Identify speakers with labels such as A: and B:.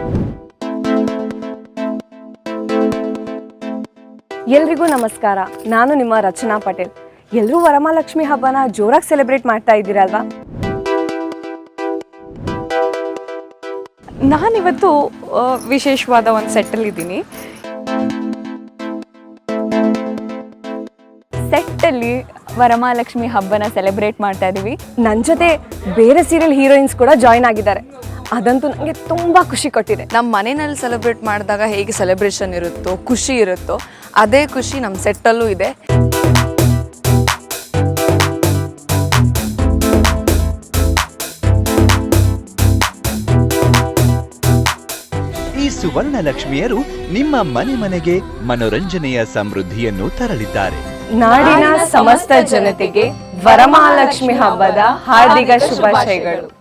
A: ಎಲ್ರಿಗೂ ನಮಸ್ಕಾರ. ನಾನು ನಿಮ್ಮ ರಚನಾ ಪಟೇಲ್. ಎಲ್ಲರೂ ವರಮಹಾಲಕ್ಷ್ಮಿ ಹಬ್ಬನ ಜೋರಾಗಿ ಸೆಲೆಬ್ರೇಟ್ ಮಾಡ್ತಾ ಇದ್ದೀರಲ್ವಾ?
B: ನಾನಿವತ್ತು ವಿಶೇಷವಾದ ಒಂದು ಸೆಟ್ಟಲ್ಲಿದ್ದೀನಿ. ಸೆಟ್ಟಲ್ಲಿ ವರಮಹಾಲಕ್ಷ್ಮಿ ಹಬ್ಬನ ಸೆಲೆಬ್ರೇಟ್ ಮಾಡ್ತಾ ಇದ್ದೀವಿ.
A: ನನ್ನ ಜೊತೆ ಬೇರೆ ಸೀರಿಯಲ್ ಹೀರೋಯಿನ್ಸ್ ಕೂಡ ಜಾಯ್ನ್ ಆಗಿದ್ದಾರೆ. ಅದಂತೂ ನನಗೆ ತುಂಬ ಖುಷಿ ಕೊಟ್ಟಿದೆ.
C: ನಮ್ಮ ಮನೆಯಲ್ಲಿ ಸೆಲೆಬ್ರೇಟ್ ಮಾಡಿದಾಗ ಹೇಗೆ ಸೆಲೆಬ್ರೇಷನ್ ಇರುತ್ತೋ, ಖುಷಿ ಇರುತ್ತೋ, ಅದೇ ಖುಷಿ ನಮ್ಮ ಸೆಟ್ಟಲ್ಲೂ ಇದೆ.
D: ಈ ಸುವರ್ಣ ಲಕ್ಷ್ಮಿಯರು ನಿಮ್ಮ ಮನೆ ಮನೆಗೆ ಮನೋರಂಜನೆಯ ಸಮೃದ್ಧಿಯನ್ನು ತರಲಿದ್ದಾರೆ.
A: ನಾಡಿನ ಸಮಸ್ತ ಜನತೆಗೆ ವರಮಹಾಲಕ್ಷ್ಮಿ ಹಬ್ಬದ ಹಾರ್ದಿಕ ಶುಭಾಶಯಗಳು.